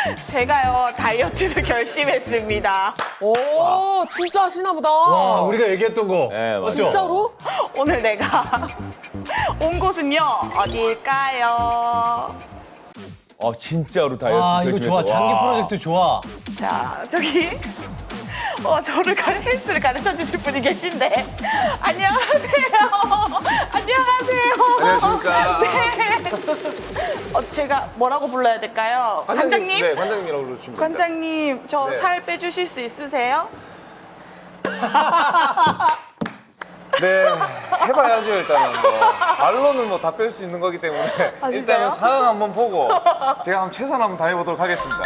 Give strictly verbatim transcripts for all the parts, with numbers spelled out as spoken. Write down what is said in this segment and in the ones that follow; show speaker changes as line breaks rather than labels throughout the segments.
제가요 다이어트를 결심했습니다.
오, 진짜 하시나 보다.
와, 우리가 얘기했던 거.
네, 맞아요.
진짜로?
오늘 내가 온 곳은요 어디일까요?
어, 진짜로 다이어트
아, 이거
결심했어.
좋아. 장기
와.
프로젝트 좋아.
자 저기 어, 저를 가, 헬스를 가르쳐 주실 분이 계신데 안녕하세요. 안녕하세요.
안녕하십니까.
네. 어, 제가 뭐라고 불러야 될까요? 관장님?
네, 관장님이라고 불러주시면 됩니다.
관장님 저
네.
살 빼주실 수 있으세요?
네, 해봐야죠 일단은. 뭐. 말로는 뭐 다 뺄 수 있는 거기 때문에
아, 진짜요?
일단은 상황 한번 보고 제가 한번 최선 한번 다해보도록 하겠습니다.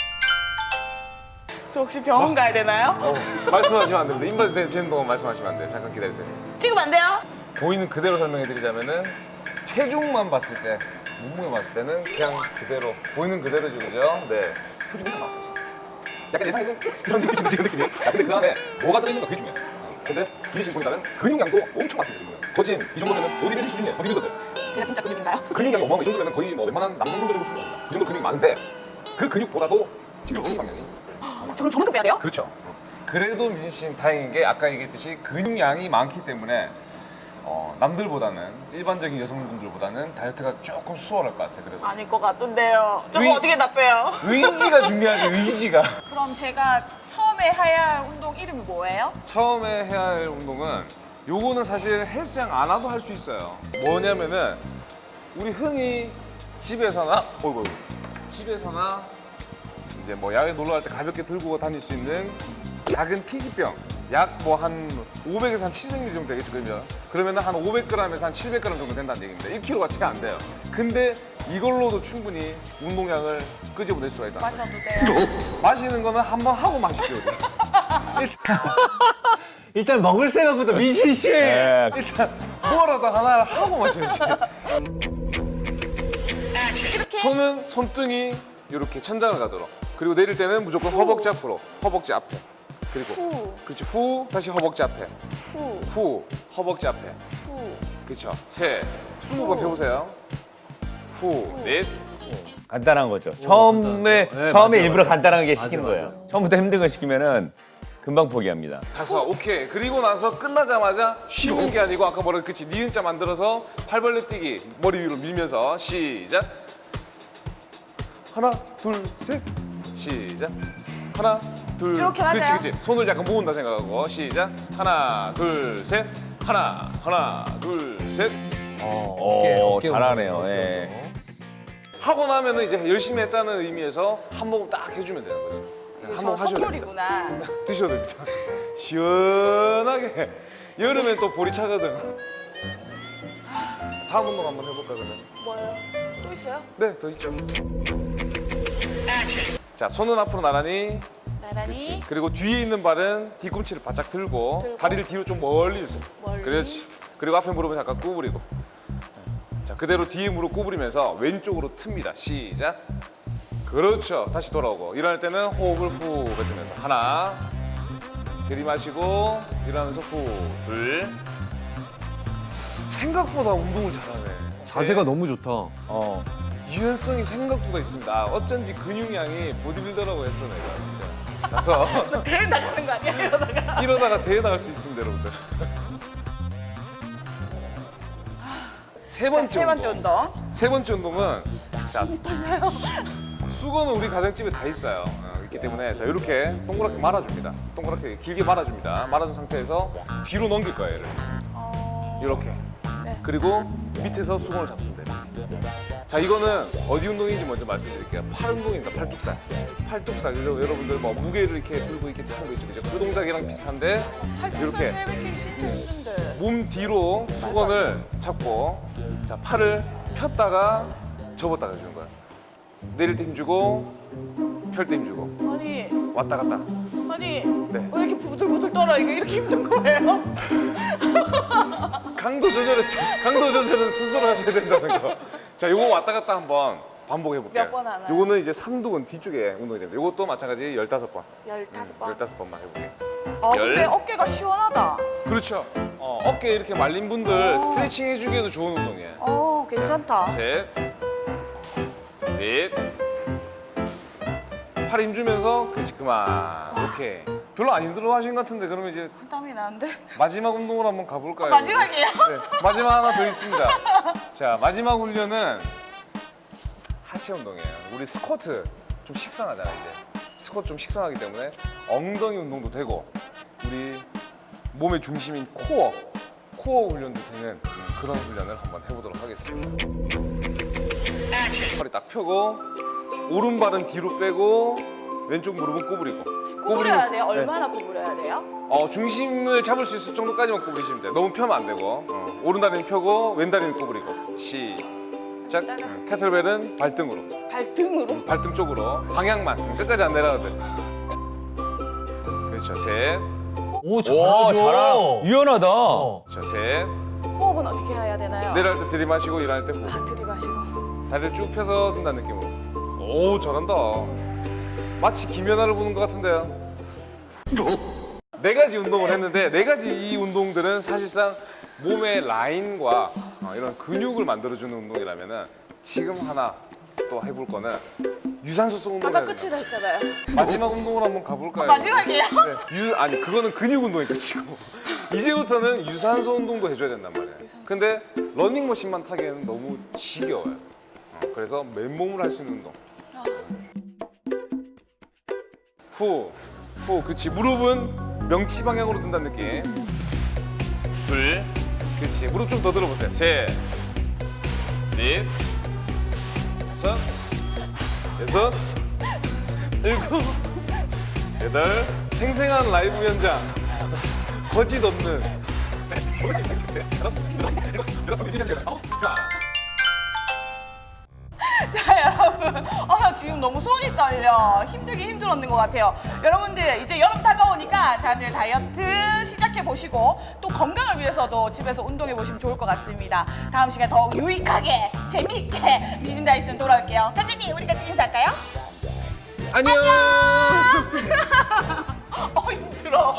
저 혹시 병원 가야 되나요?
어, 말씀하시면 안 됩니다. 인바디 되는 동안 말씀하시면 안 돼요. 잠깐 기다리세요.
지금 안 돼요?
보이는 그대로 설명해드리자면은 체중만 봤을 때, 몸무게 봤을 때는 그냥 그대로 보이는 그대로죠, 그죠? 네. 표정 이상 나왔어요. 약간 예상에는 그런 느낌이 지금 느낌이에요. 야, 근데 그 안에 뭐가 들어있는가 그게 중요해. 어, 근데 이게 지금 보니까는 근육량도 엄청 많습니다. 거진 이 정도면 보디빌딩 수준이에요. 보디빌더들.
제가 진짜 근육인가요?
근육량이 어마어마. 이 정도면 거의 뭐 웬만한 남성분들 정도 수준입니다. 그 정도 근육이 많은데 그 근육보다도 지금 체지방량이
저는 저만큼 빼야 돼요?
그렇죠. 그래도 미진 씨는 다행인 게 아까 얘기했듯이 근육량이 많기 때문에 어, 남들보다는 일반적인 여성분들보다는 다이어트가 조금 수월할 것 같아요. 그래도
아닐 것 같던데요. 저거
의-
어떻게 다 빼요?
의지가 중요하죠. 의지가.
그럼 제가 처음에 해야 할 운동 이름이 뭐예요?
처음에 해야 할 운동은 요거는 사실 헬스장 안 와도 할 수 있어요. 뭐냐면은 우리 흔히 집에서나 어이구 집에서나 이제 뭐 야외 놀러 갈 때 가볍게 들고 다닐 수 있는 작은 피지병 약 뭐 한 오백에서 한 칠백 밀리리터 정도 되겠죠, 그러면 그러면은 한 오백 그램에서 한 칠백 그램 정도 된다는 얘기입니다. 일 킬로그램가 채 안 돼요. 근데 이걸로도 충분히 운동량을 끄집어낼 수가 있다.
마셔도 돼요.
마시는 거는 한 번 하고 마실게요.
일단 먹을 생각부터 미진 씨.
네.
일단 뭐라도 하나를 하고 마셔야지. 손은 손등이 이렇게 천장을 가도록. 그리고 내릴 때는 무조건 허벅지 앞으로, 허벅지 앞에. 그리고
후.
그렇지 후 다시 허벅지 앞에,
후,
후 허벅지 앞에.
후.
그렇죠. 세 스무 번 펴보세요. 후, 넷.
간단한 거죠. 처음에
간단하죠. 네,
처음에
맞아요,
일부러
맞아요.
간단하게
맞아,
시키는
맞아.
거예요. 처음부터 힘든 거 시키면은 금방 포기합니다.
다섯, 오케이. 그리고 나서 끝나자마자 쉬는 게 아니고 아까 뭐라 그치 니은자 만들어서 팔 벌려 뛰기 머리 위로 밀면서 시작. 하나, 둘, 셋. 시작. 하나, 둘.
이렇게 하세요?
그렇지, 그렇지. 손을 약간 모은다 생각하고 시작. 하나, 둘, 셋. 하나, 하나, 둘, 셋.
어,
오,
어깨
잘하네요.
운동,
예.
어깨 운동.
하고 나면은 이제 열심히 했다는 의미에서 한 모금 딱 해주면 되는 거지. 한
저
모금 하셔도 됩니다.
선물이구나.
드셔도 됩니다. 시원하게. 여름엔 또 볼이 차거든. 다음 운동 한번 해볼까 그러면?
뭐예요? 또 있어요?
네, 더 있죠. 자, 손은 앞으로 나란히.
나란히.
그리고 뒤에 있는 발은 뒤꿈치를 바짝 들고,
들고.
다리를 뒤로 좀 멀리 주세요.
멀리.
그렇지. 그리고 앞에 무릎은 잠깐 구부리고. 자, 그대로 뒤에 무릎 구부리면서 왼쪽으로 틉니다. 시작. 그렇죠. 다시 돌아오고. 일어날 때는 호흡을 후 뱉으면서 하나. 들이마시고 일어나면서 후. 둘. 생각보다 운동을 잘하네.
자세가 너무 좋다.
어.
유연성이 생각보다 있습니다. 아, 어쩐지 근육량이 보디빌더라고 했어 내가 진짜. 가서
대회 나가는 거 아니야 이러다가?
이러다가 대회 나갈 수 있습니다, 여러분들. 세 번째,
세 번째
운동.
운동.
세 번째 운동은 자, 수건은 우리 가정집에 다 있어요. 어, 있기 때문에 자 이렇게 동그랗게 말아줍니다. 동그랗게 길게 말아줍니다. 말아준 상태에서 뒤로 넘길 거예요, 얘를. 이렇게.
네.
그리고 밑에서 수건을 잡수면 됩니다. 자, 이거는 어디 운동인지 먼저 말씀드릴게요. 팔 운동입니다. 팔뚝살. 팔뚝살. 그래서 여러분들 뭐 무게를 이렇게 들고 이렇게 하는 거 있죠, 그죠? 그 동작이랑 비슷한데 이렇게
힘든데.
몸 뒤로 수건을 잡고 자 팔을 폈다가 접었다가 주는 거예요. 내릴 때 힘주고 펼 때 힘주고
아니,
왔다 갔다.
아니
네.
왜 이렇게 부들부들 떨어? 이게 이렇게 힘든 거예요?
강도 조절은 강도 조절은 스스로 하셔야 된다는 거. 자, 요거 왔다 갔다 한번 반복해 볼게요.
몇번 하나요?
요거는 이제 삼두근 뒤쪽에 운동이 됩니다. 요것도 마찬가지 열다섯 번.
열다섯 번.
열다섯 번만 해볼게요.
아 근데
열.
어깨가 시원하다.
그렇죠. 어, 어깨 이렇게 말린 분들 스트레칭 해주기에도 좋은 운동이에요.
어 괜찮다.
셋, 넷, 팔 힘주면서 그렇지 그만. 오케이. 별로 안 힘들어 하신 것 같은데 그러면 이제
땀이 나는데.
마지막 운동을 한번 가볼까요?
마지막이에요?
네, 마지막 하나 더 있습니다. 자, 마지막 훈련은 하체 운동이에요. 우리 스쿼트 좀 식상하잖아요, 이제. 스쿼트 좀 식상하기 때문에 엉덩이 운동도 되고 우리 몸의 중심인 코어, 코어 훈련도 되는 그런 훈련을 한번 해보도록 하겠습니다. 허리 딱 펴고 오른발은 뒤로 빼고 왼쪽 무릎은 구부리고
구부려야 돼요?
네.
얼마나 구부려야 돼요?
어, 중심을 잡을 수 있을 정도까지만 구부리시면 돼요. 너무 펴면 안 되고. 어, 오른 다리는 펴고 왼 다리는 구부리고. 시작. 응, 캐틀벨은 발등으로.
발등으로?
발등 쪽으로. 방향만. 끝까지 안 내려가도 돼. 그렇죠. 셋.
오,
오,
잘하죠.
잘하. 유연하다.
어.
그렇죠. 셋.
호흡은 어떻게 해야 되나요?
내려갈 때 들이마시고 일어날 때 후.
아, 들이마시고.
다리를 쭉 펴서 든다는 느낌으로. 오, 잘한다. 마치 김연아를 보는 것 같은데요. 네 가지 운동을 했는데 네 가지 이 운동들은 사실상 몸의 라인과 어, 이런 근육을 만들어주는 운동이라면은 지금 하나 또 해볼 거는 유산소성 운동을
아까
해야 돼요.
끝이라 했잖아요.
마지막 운동을 한번 가볼까요?
마지막이에요?
네, 유, 아니 그거는 근육 운동이 끝이고 이제부터는 유산소 운동도 해줘야 된단 말이에요. 근데 러닝머신만 타기에는 너무 지겨워요. 어, 그래서 맨몸으로 할 수 있는 운동. 후, 후, 그치. 무릎은 명치 방향으로 든다는 느낌. 둘, 그치. 무릎 좀 더 들어보세요. 셋, 넷, 다섯, 여섯, 일곱, 여덟. 생생한 라이브 현장. 거짓 없는.
자, 여러분. 아, 나 지금 너무 손이 떨려. 힘들긴 힘들었는 것 같아요. 여러분들, 이제 여름 다가오니까 다들 다이어트 시작해보시고 또 건강을 위해서도 집에서 운동해보시면 좋을 것 같습니다. 다음 시간에 더 유익하게, 재미있게 미진 다이슨 돌아올게요. 간장님, 우리 같이 인사할까요?
안녕!
어, 힘들어.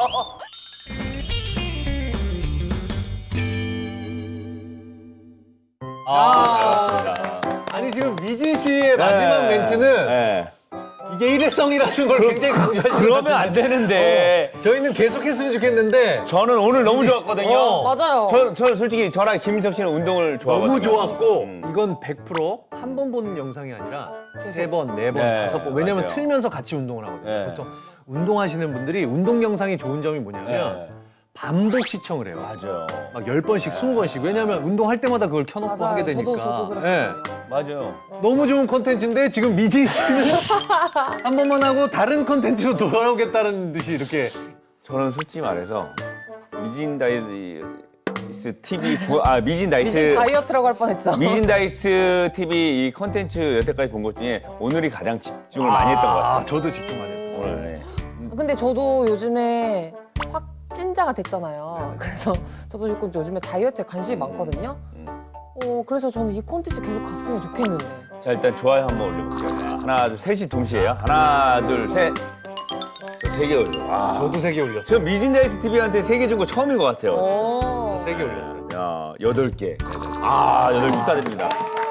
아, 아니 지금 미진 씨의 마지막 멘트는
네.
이게 일회성이라는 걸 굉장히 강조하시는
그러면
것
안
같은데.
되는데.
어, 저희는 계속했으면 좋겠는데
저는 오늘 너무 좋았거든요.
어.
맞아요.
저, 저 솔직히 저랑 김민석 씨는 운동을 좋아하거든요.
너무 좋았고
음.
이건 백 퍼센트 한 번 보는 영상이 아니라 세 번, 네 번,
네,
다섯 번. 왜냐면
맞아요.
틀면서 같이 운동을 하거든요.
네.
보통 운동하시는 분들이 운동 영상이 좋은 점이 뭐냐면
네.
반복 시청을 해요.
맞아요.
막 열 번씩, 스무 번씩. 왜냐면 운동할 때마다 그걸 켜놓고
맞아요.
하게 되니까.
저도 저도
네.
그랬거든요.
맞아요.
너무 좋은 컨텐츠인데 지금 미진 씨는 한 번만 하고 다른 컨텐츠로 돌아오겠다는 듯이 이렇게.
저는 솔직히 말해서 미진 다이스 티비 보- 아 미진 다이스
미진 다이어트라고 할 뻔했죠.
미진 다이스 티비 이 컨텐츠 여태까지 본 것 중에 오늘이 가장 집중을 많이 했던 것
아,
같아요.
저도 집중 많이 했어요.
오늘. 네.
근데 저도 요즘에 확 찐자가 됐잖아요. 그래서 저도 조금 요즘에 다이어트에 관심이 많거든요. 어, 그래서 저는 이 콘텐츠 계속 갔으면 좋겠는데.
자 일단 좋아요 한번 올려볼게요. 하나 둘 셋이 동시에요. 하나 둘 셋. 세 개 올려. 와.
저도 세 개 올렸어요.
저 미진 다이스 티비한테 세 개 준 거 처음인 것 같아요.
오.
세 개 올렸어요.
야 여덟 개. 아 여덟 축하드립니다.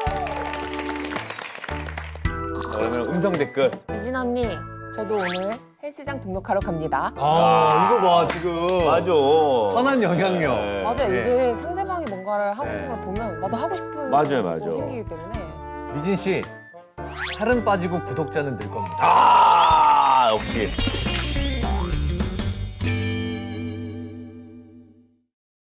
자, 그러면 음성 댓글.
미진 언니, 저도 오늘 헬스장 등록하러 갑니다.
아, 이거 봐, 지금.
맞아.
선한 영향력.
네.
맞아요.
네.
이게 상대방이 뭔가를 하고
네.
있는 걸 보면 나도 하고 싶은
맞아요,
거
맞아요.
생기기 때문에.
미진 씨, 살은 빠지고 구독자는 늘 겁니다.
아 역시.